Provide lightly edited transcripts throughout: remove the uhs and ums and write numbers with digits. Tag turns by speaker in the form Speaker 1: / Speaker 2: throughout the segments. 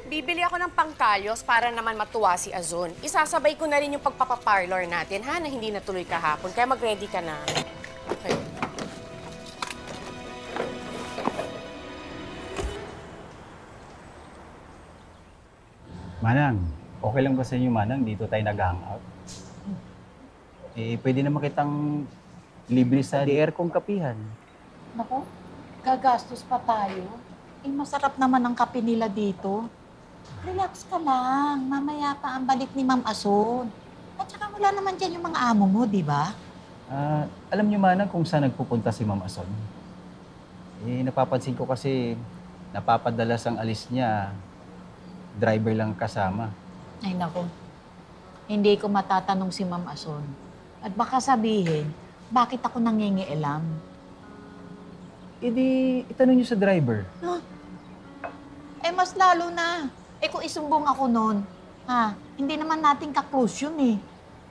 Speaker 1: Bibili ako ng pangkalyos para naman matuwa si Azon. Isasabay ko na rin yung pagpapaparlor natin, ha, na hindi natuloy kahapon. Kaya mag-ready ka na. Okay.
Speaker 2: Manang, okay lang ba sa inyo, Manang? Dito tayo nag-hangout. Pwede naman kitang libre sa DR kong kapihan.
Speaker 3: Nako, gagastos pa tayo. Masarap naman ang kape nila dito. Relax ka lang. Mamaya pa ang balik ni Ma'am Ason. At saka wala naman dyan yung mga amo mo, di ba?
Speaker 2: Alam niyo, Manang, kung saan nagpupunta si Ma'am Ason? Napapansin ko kasi napapadalas ang alis niya, driver lang kasama.
Speaker 3: Ay nako, hindi ko matatanong si Ma'am Ason. At baka sabihin, bakit ako nangingialam?
Speaker 2: Itanong niyo sa driver.
Speaker 3: Mas lalo na. Kung isumbong ako noon, hindi naman natin ka-close yun eh.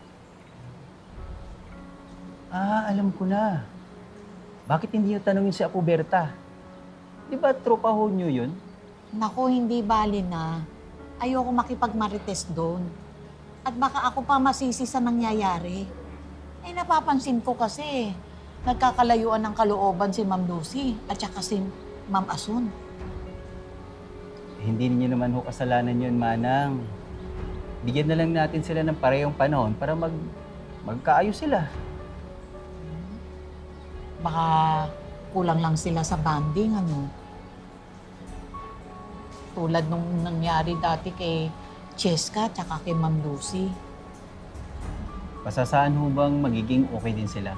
Speaker 2: Alam ko na. Bakit hindi niyo tanongin si Apo Berta? Di ba tropa ho niyo yun?
Speaker 3: Naku, hindi bali na. Ayoko makipagmarites doon. At baka ako pa masisi sa nangyayari. Napapansin ko kasi, nagkakalayuan ng kalooban si Ma'am Lucy at saka si Ma'am Ason.
Speaker 2: Hindi niyo naman ho kasalanan yun, Manang. Bigyan na lang natin sila ng parehong panahon para magkaayos sila.
Speaker 3: Baka kulang lang sila sa bonding, ano? Tulad nung nangyari dati kay Cheska at saka kay Ma'am Lucy.
Speaker 2: Pasasaan ho bang magiging okay din sila?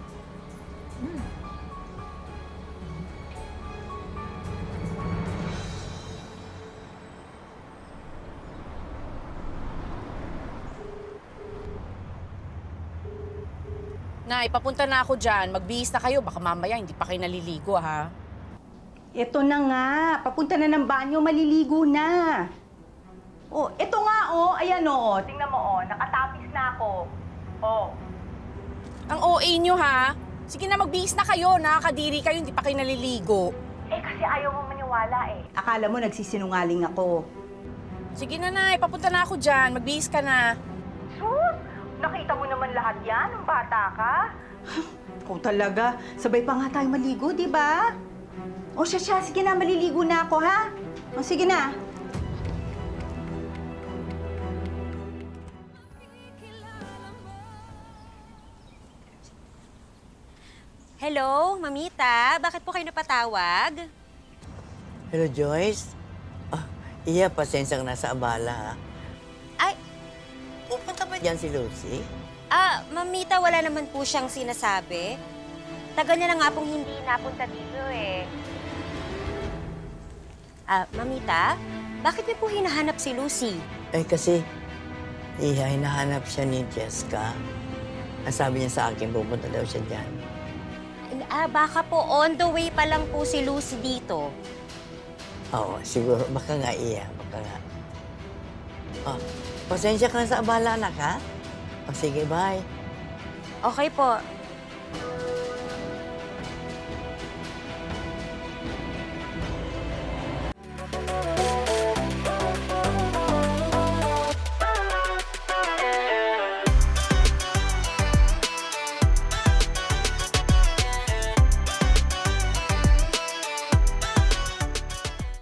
Speaker 1: Nay, papunta na ako dyan. Magbihis na kayo. Baka mamaya hindi pa kayo naliligo, ha?
Speaker 4: Eto na nga, papunta na ng banyo, maliligo na. Oh, eto nga ayan tingnan mo nakatapis na ako. Oh.
Speaker 1: Ang OA nyo, ha? Sige na, magbihis na kayo. Nakakadiri kayo, hindi pa kayo naliligo.
Speaker 4: Kasi ayaw mo maniwala eh. Akala mo nagsisinungaling ako.
Speaker 1: Sige na, Nay. Papunta na ako dyan. Magbihis ka na.
Speaker 4: Sus! Nakita mo naman lahat yan nung bata ka? Kung talaga, sabay pa nga tayo maligo, di ba? O siya, sige na, maliligo na ako, ha? O sige na.
Speaker 5: Hello, Mamita. Bakit po kayo napatawag?
Speaker 6: Hello, Joyce. Iya, pasensyang nasa abala, ha?
Speaker 5: Ay,
Speaker 6: Pupunta ba dyan si Lucy?
Speaker 5: Mamita, wala naman po siyang sinasabi. Tagal niya na nga pong hindi napunta dito eh. Mamita, bakit niyo po hinahanap si Lucy?
Speaker 6: Kasi, hinahanap siya ni Jessica. Ang sabi niya sa akin, pupunta daw siya dyan.
Speaker 5: Baka po on the way pa lang po si Lucy dito.
Speaker 6: Oo, siguro. Baka nga, iya. Baka nga. Pasensya ka na sa abala, anak, ha? Sige, bye.
Speaker 5: Okay po.